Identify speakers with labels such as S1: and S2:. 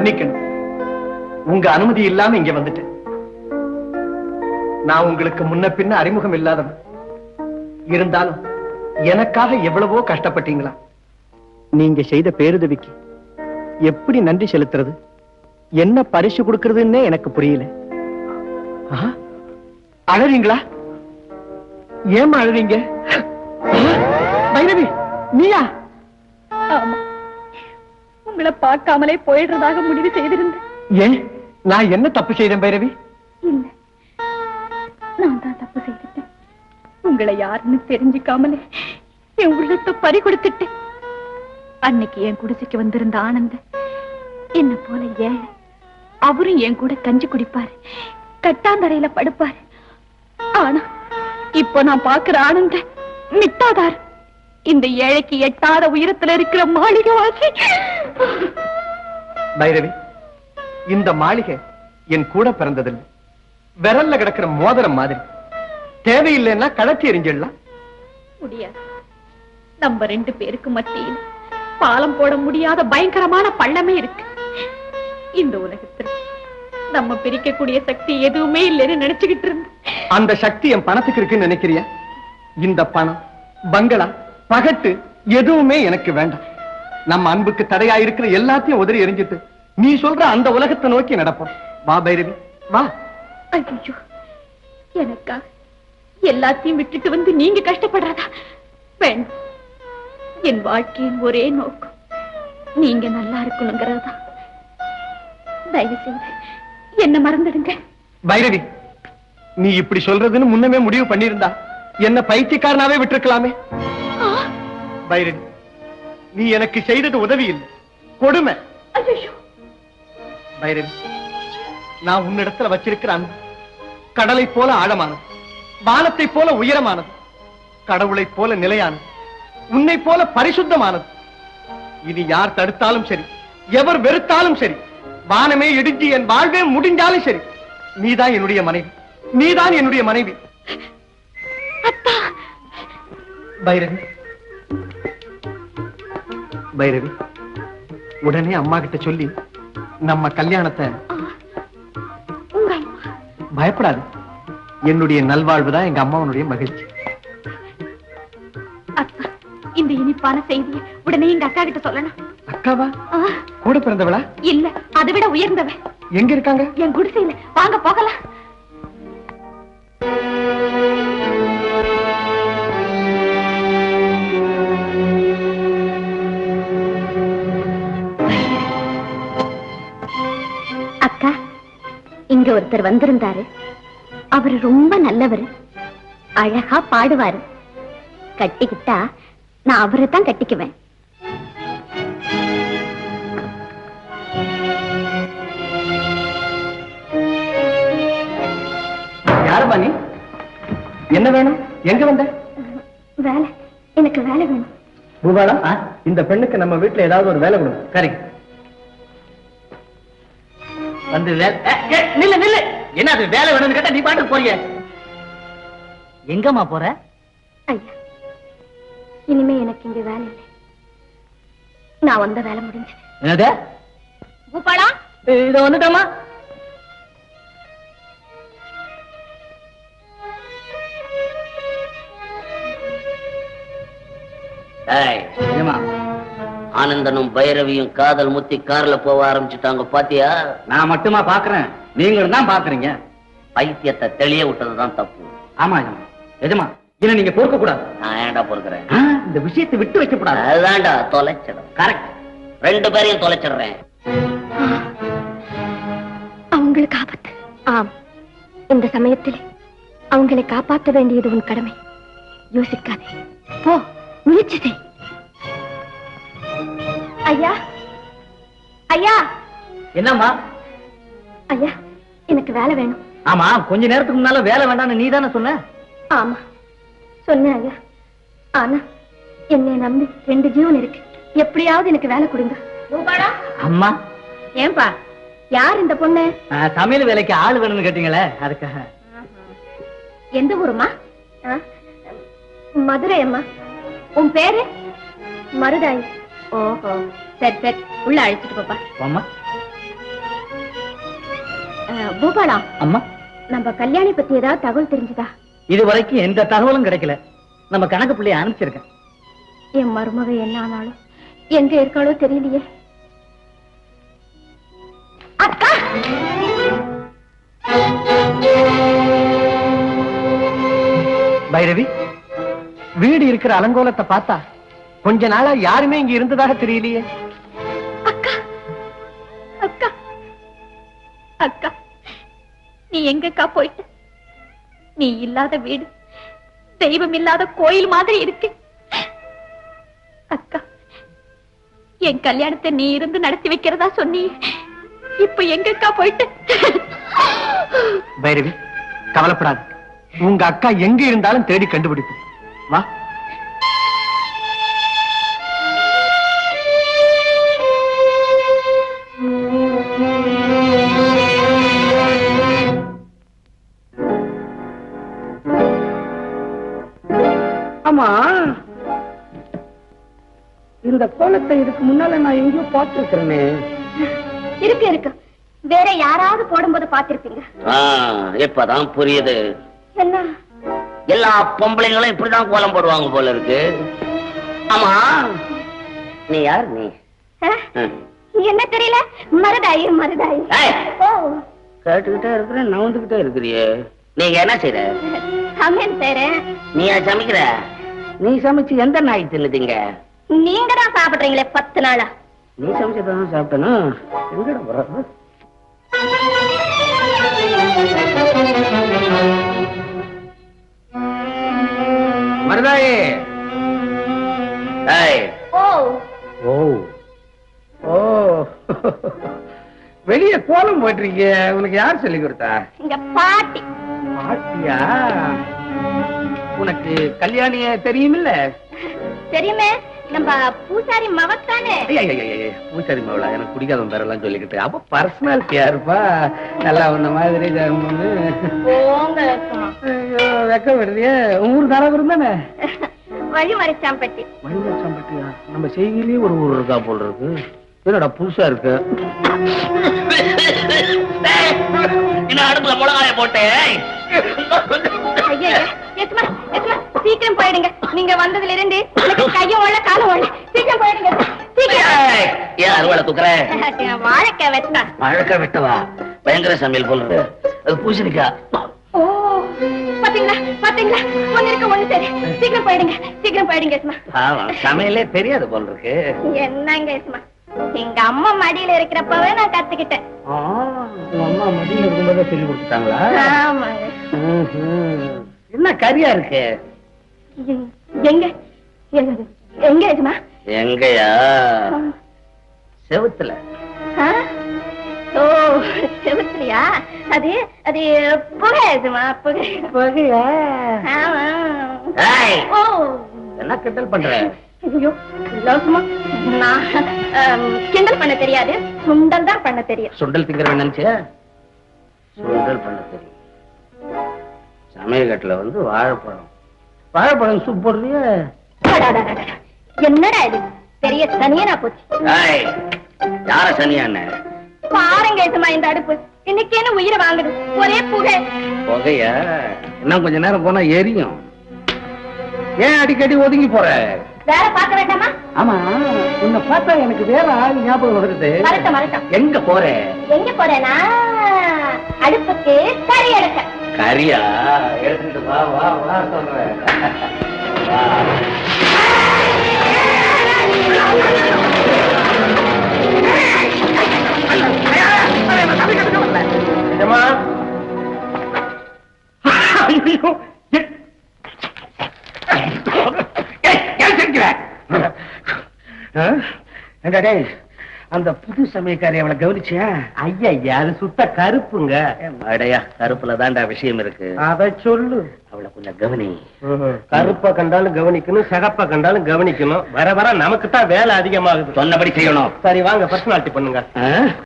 S1: மன்னிக்கணும். உங்க அனுமதி இல்லாம இங்க வந்துட்டேன். நான் உங்களுக்கு முன்ன பின்ன அறிமுகம் இல்லாதவன். இருந்தாலும் எனக்காக எவ்வளவோ கஷ்டப்பட்டீங்களா? நீங்க செய்த பேருதவிக்கு எப்படி நன்றி செலுத்துறது, என்ன பரிசு கொடுக்கறதுன்னே எனக்கு புரியல. அழறீங்களா? ஏமா அழறீங்க? பைரவி, நீயா?
S2: ஆமா, உங்களை பார்க்காமலே போயிடுறதாக முடிவு செய்திருந்தேன்.
S1: ஏன், நான் என்ன தப்பு செய்தேன் பைரவி?
S2: இல்ல, நான் தான் தப்பு செய்துட்டேன். உங்களை யாருன்னு தெரிஞ்சுக்காமலே என் உள்ளத்தை பறி கொடுத்துட்டேன். அன்னைக்கு என் குடிசைக்கு வந்திருந்த ஆனந்த என்ன போல ஏழை. அவரும் என் கூட கஞ்சி குடிப்பாரு, கட்டாந்தரையில படுப்பாரு. ஆனா இப்போ நான் பாக்குற ஆனந்த மிட்டாதார், இந்த ஏழைக்கு எட்டாத உயரத்துல இருக்கிற மாளிகை வாசி.
S1: பைரவி, இந்த மாளிகை என் கூட பிறந்ததில்லை. விரல்ல கிடக்கிற மோதிரம் மாதிரி. தேவையில்லைன்னா கழட்டி எறிஞ்சிடலாம்.
S2: முடியாது. நம்ம ரெண்டு பேருக்கு மத்தியில் பாலம் போட முடியாத பயங்கரமான பள்ளமே இருக்கு. இந்த உலகத்தில் நம்ம பிரிக்கக்கூடிய சக்தி எதுவுமே இல்லைன்னு நினைச்சுக்கிட்டு இருந்த
S1: அந்த சக்தி என் பணத்துக்கு இருக்குன்னு நினைக்கிறியா? இந்த பணம், பங்களா, பகட்டு எதுவுமே எனக்கு வேண்டாம். நம்ம அன்புக்கு தடையா இருக்கிற எல்லாத்தையும் உதறி எரிஞ்சிட்டு நீ சொல்ற அந்த உலகத்தை நோக்கி நடப்போம். வா பைரவி, வா.
S2: ஐயோ, எனக்காக எல்லாத்தையும் விட்டுட்டு வந்து நீங்க கஷ்டப்படுறதா? வேண்டாம். என் வாழ்க்கையின் ஒரே நோக்கம் நீங்க நல்லா இருக்கணுங்கிறதா. தயவு செய்து என்ன மறந்துடுங்க.
S1: பைரவி, நீ இப்படி சொல்றதுன்னு முன்னமே முடிவு பண்ணியிருந்தா என்ன பைத்தியக்காரனாவே விட்டுருக்கலாமே. பைரவி, நீ எனக்கு செய்தது உதவி இல்லை, கொடுமை. பைரவி, நான் உன்னிடத்துல வச்சிருக்கிற அன்பு கடலை போல ஆழமானது, வானத்தை போல உயரமானது, கடவுளை போல நிலையானது, உன்னை போல பரிசுத்தமானது. இனி யார் தடுத்தாலும் சரி, எவர் வெறுத்தாலும் சரி, வானமே இடிஞ்சு என் வாழ்வே முடிஞ்சாலும் சரி, நீதான் என்னுடைய மனைவி, நீதான் என்னுடைய மனைவி. பைரவி, பைரவி, உடனே அம்மா கிட்ட சொல்லி நம்ம கல்யாணத்தை. பயப்படாது, என்னுடைய நல்வாழ்வுதான் எங்க அம்மாவனுடைய மகிழ்ச்சி.
S2: அக்கா, இந்த இனிப்பான செய்தியை உடனே எங்க அக்கா கிட்ட சொல்லணும்.
S1: அக்காவா? கூட பிறந்தவளா?
S2: இல்ல, அதை விட உயர்ந்தவ.
S1: எங்க இருக்காங்க?
S2: என் குடிசையில. வாங்க போகலாம். அக்கா, இங்க ஒருத்தர் வந்திருந்தாரு. அவரு ரொம்ப நல்லவர், அழகா பாடுவாரு. கட்டிக்கிட்டா நான் அவரை தான் கட்டிக்குவேன்.
S1: யாருமா நீ? என்ன வேணும்? எங்க வந்த?
S2: வேலை, எனக்கு வேலை வேணும்.
S1: பூபாலா, இந்த பெண்ணுக்கு நம்ம வீட்டுல ஏதாவது ஒரு வேலை கொடுங்க. சரி, வந்து நில்லு நில்லு. என்ன அது வேலை வேணும்னு கேட்டா நீ பாட்டு போறீங்க. எங்கம்மா போற?
S2: ஐயா, இனிமே எனக்கு இங்க வேலை இல்லை. நான் வந்த வேலை முடிஞ்சது.
S1: என்னது?
S2: பூபாலா,
S1: இத வந்துட்டோமா?
S3: ஆனந்தனும் பைரவியும் காதல் முத்தி கார்ல போக ஆரம்பிச்சுட்டாங்க. பாத்தியா?
S1: நான் மட்டுமா பாக்குறேன், நீங்களும் தான் பாக்குறீங்க.
S3: பைத்தியத்தை தெளிய விட்டதுதான் தப்பு.
S1: ஆமா எஜமா, என்ன நீங்க பொறுக்க கூடாது.
S3: நான் ஏன்டா பொறுக்கிறேன்?
S1: இந்த விஷயத்தை விட்டு வைக்க கூடாது.
S3: அதுதான்டா தொலைச்சிடும்.
S1: கரெக்ட்,
S3: ரெண்டு பேரையும் தொலைச்சிடுறேன்.
S2: அவங்களுக்கு ஆபத்து. ஆம், இந்த சமயத்தில் அவங்களை காப்பாற்ற வேண்டியது உன் கடமை. யோசிக்காதே, போ, முயற்சி செய். ஐயா, ஐயா.
S1: என்னம்மா?
S2: ஐயா, எனக்கு வேலை வேணும்.
S1: ஆமா, கொஞ்ச நேரத்துக்கு முன்னால வேலை வேண்டாம்னு நீ தானே சொன்ன?
S2: ஆமா, சொன்னேன் ஐயா. ஆனா என்னை நம்பி 2 ஜீவன் இருக்கு. எப்படியாவது எனக்கு வேலை கொடுங்க.
S1: அம்மா.
S2: ஏன்பா, யார் இந்த பொண்ணு?
S1: சமையல் வேலைக்கு ஆள் வேணும்னு கேட்டீங்களே, அதுக்காக.
S2: எந்த ஊருமா? மதுரை அம்மா. உன் பேரு? மருதாய். ஓஹோ, சரி சரி, உள்ள அழைச்சிட்டு போப்பா.
S1: அம்மா,
S2: பூபாலா,
S1: அம்மா,
S2: நம்ம கல்யாணி பத்தி ஏதாவது தகவல் தெரிஞ்சுதா?
S1: இது வரைக்கும் எந்த தகவலும் கிடைக்கல. நம்ம கணக்கு பிள்ளைய அனுப்பிச்சிருக்கேன்.
S2: என் மருமக என்ன ஆனாலும் எங்க இருக்காளோ தெரியலையே. அக்கா,
S1: பைரவி, வீடு இருக்கிற அலங்கோலத்தை பார்த்தா கொஞ்ச நாளா யாருமே இங்க இருந்ததாக தெரியலையே.
S2: அக்கா, அக்கா, அக்கா, நீ எங்கக்கா போயிட்ட? நீ இல்லாத வீடு தெய்வம் இல்லாத கோயில் மாதிரி இருக்கு. அக்கா, என் கல்யாணத்தை நீ இருந்து நடத்தி வைக்கிறதா சொன்னி, இப்ப எங்கக்கா போயிட்ட?
S1: பைரவி, கவலைப்படாது. உங்க அக்கா எங்க இருந்தாலும் தேடி கண்டுபிடிப்போம். வா.
S4: ஆமா, இந்த கோலத்தை இதுக்கு முன்னால நான் எங்கேயோ பார்த்திருக்கிறேனே.
S2: இருக்கு இருக்கு, வேற யாராவது போடும்போது பாத்திருப்பீங்க.
S3: இப்பதான் புரியுது.
S2: என்ன?
S3: எல்லா பொம்பளைங்களும் இப்படிதான் கோலம் போடுவாங்க போல இருக்கு. ஆமா, நீ யார்? நீ
S2: என்ன தெரியல? மருதாயி மருதாயி.
S3: கேட்டுக்கிட்டே இருக்கிற, நவுந்துகிட்டே இருக்கிறியே. நீங்க என்ன செய்யற?
S2: சமையல் செய்றேன்.
S3: நீயா சமைக்கிற? நீ சமைச்சு எந்த நாய் தின்னுதீங்க?
S2: நீங்க தான் சாப்பிடுறீங்களே 10 நாளா.
S3: நீ சமைச்சதான் சாப்பிட்டனும். எங்கட போறது?
S4: மருதாயே.
S2: ஓ
S4: ஓ ஓ, வெளிய கோலம் போயிட்டு உனக்கு யார் சொல்லி கொடுத்தா?
S2: இங்க பாட்டி.
S4: பாட்டியா? உனக்கு கல்யாணிய தெரியுமில்ல?
S2: தெரியுமே, நம்ம பூசாரி மவத்தானே.
S4: பூசாரி மவளா? எனக்கு பிடிக்காத பேரெல்லாம் சொல்லிக்கிட்டு. அப்ப பர்சனாலிட்டியா இருப்பா. நல்லா உன்ன மாதிரி வெக்க வருதியே. ஊர் தாராபுரம் தானே?
S2: வழிமறைச்சாம்பட்டி.
S4: வழிமறைச்சாம்பட்டியா? நம்ம செய்தியிலேயே ஒரு ஊர் இருக்கா போல் இருக்கு. என்னடா புதுசா இருக்கு?
S3: அடுப்புல மிளகாய போட்டேன்.
S2: சீக்கிரம் போயிடுங்க. நீங்க வந்ததுல இருந்து கையும் ஓடல காலம் ஓடல. சீக்கிரம் போயிடுங்க.
S3: ஏன் அறுவடை தூக்குறேன்?
S2: வாழைக்காய் வெட்டா.
S3: வாழைக்காய் வெட்டவா? பயங்கர சமையல் போல இருக்கு. அது பூசணிக்கா.
S2: ஓ, பாத்தீங்களா பாத்தீங்களா? ஒண்ணு இருக்கு ஒண்ணு சரி. சீக்கிரம் போயிடுங்க, சீக்கிரம் போயிடுங்க.
S4: சமையலே தெரியாது போல இருக்கு.
S2: என்னங்க இஸ்மா, எங்க அம்மா மடியில இருக்கிறப்பவே நான் கத்துக்கிட்டேன்.
S4: அம்மா மடியில இருக்கும்போதே சொல்லி கொடுத்துட்டாங்களா?
S2: ஆமாங்க.
S4: என்ன கரியா இருக்கு?
S2: எங்க எங்க இஸ்மா?
S3: எங்கயா? செவுத்துல.
S2: ஓ, செவுத்துலயா? அது அது புகை இஸ்மா, புகை.
S4: புகையா?
S2: ஆமா.
S3: ஓ, என்ன கிண்டல் பண்ற?
S2: ஐயோ, நான் கிண்டல் பண்ண தெரியாது, சுண்டல் தான் பண்ண தெரியும்.
S3: சுண்டல் திங்கிற நினைச்சே? சுண்டல் பண்ண தெரியும். சமையல் வந்து வாழைப்பழம். வாழைப்பழம் சூப் போடுறிய?
S2: என்னடா இது பெரிய சனியனா போச்சு.
S3: யார சனியான?
S2: பாருங்க இதுமா, இந்த அடுப்பு இன்னைக்கேன்னு உயிரை வாங்குது. ஒரே புகை.
S3: புகையா? இன்னும் கொஞ்ச நேரம் போனா எரியும்.
S4: ஏன் அடிக்கடி ஒதுங்கி போற?
S2: வேற பார்க்க வேண்டாமா?
S4: ஆமா, உன்னை பார்த்தா எனக்கு வேற ஆள் ஞாபகம் வருது.
S2: மறட்டம் மறட்டம்.
S4: எங்க போற?
S2: எங்க போறேனா, அடுப்புக்கு கறி எடுக்க.
S3: கரியா? எடுத்துட்டு வா வா வா சொல்றேன்.
S4: அந்த புது சமயக்காரி அவளை கவனிச்சியா? ஐயா, அது சுத்த கருப்புங்க.
S3: அடையா, கருப்புல தாண்டா விஷயம் இருக்கு.
S4: அத சொல்லு.
S3: அவளை கொஞ்சம் கவனி.
S1: கருப்ப கண்டாலும் கவனிக்கணும், சிகப்ப கண்டாலும் கவனிக்கணும். வர வர நமக்கு தான் வேலை அதிகமாகுது.
S3: சொன்னபடி செய்யணும்.
S1: சரி வாங்க, பர்சனாலிட்டி பண்ணுங்க.